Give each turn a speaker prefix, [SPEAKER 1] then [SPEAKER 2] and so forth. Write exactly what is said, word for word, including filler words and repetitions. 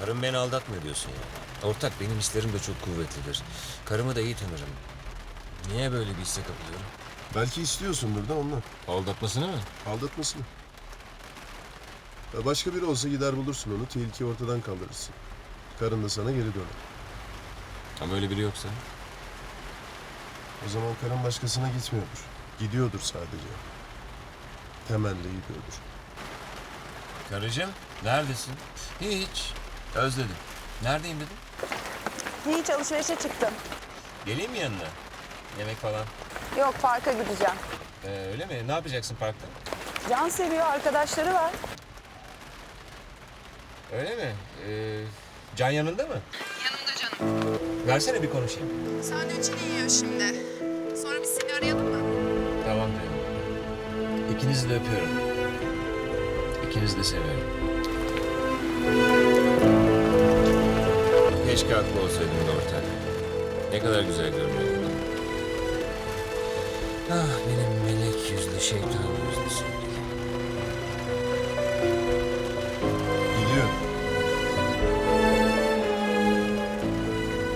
[SPEAKER 1] Karım beni aldatmıyor diyorsun ya. Ortak, benim hislerim de çok kuvvetlidir. Karımı da iyi tanırım. Niye böyle bir hisse kapılıyorum?
[SPEAKER 2] Belki istiyorsundur da ondan.
[SPEAKER 1] Aldatmasını mı?
[SPEAKER 2] Aldatmasını. Ya başka biri olsa gider bulursun onu, tehlikeyi ortadan kaldırırsın. Karın da sana geri döner.
[SPEAKER 1] Ama öyle biri yoksa.
[SPEAKER 2] O zaman karın başkasına gitmiyordur. Gidiyordur sadece. Temelli gidiyordur.
[SPEAKER 1] Karıcığım, neredesin? Hiç. Özledim. Neredeyim dedim.
[SPEAKER 3] Hiç alışverişe çıktım.
[SPEAKER 1] Geleyim mi yanına? Yemek falan.
[SPEAKER 3] Yok, parka gideceğim.
[SPEAKER 1] Ee, öyle mi? Ne yapacaksın parkta?
[SPEAKER 3] Can seviyor, arkadaşları var.
[SPEAKER 1] Öyle mi? Ee, Can yanında mı?
[SPEAKER 4] Yanımda canım.
[SPEAKER 1] Versene bir konuşayım.
[SPEAKER 4] Sandviçini yiyor şimdi. Sonra biz seni arayalım mı?
[SPEAKER 1] Tamam diyorum. İkinizi de öpüyorum. İkinizi de seviyorum. Keşke haklı olsaydın da ortak. Ne kadar güzel görünüyordu. Ah, benim melek yüzlü şeytan.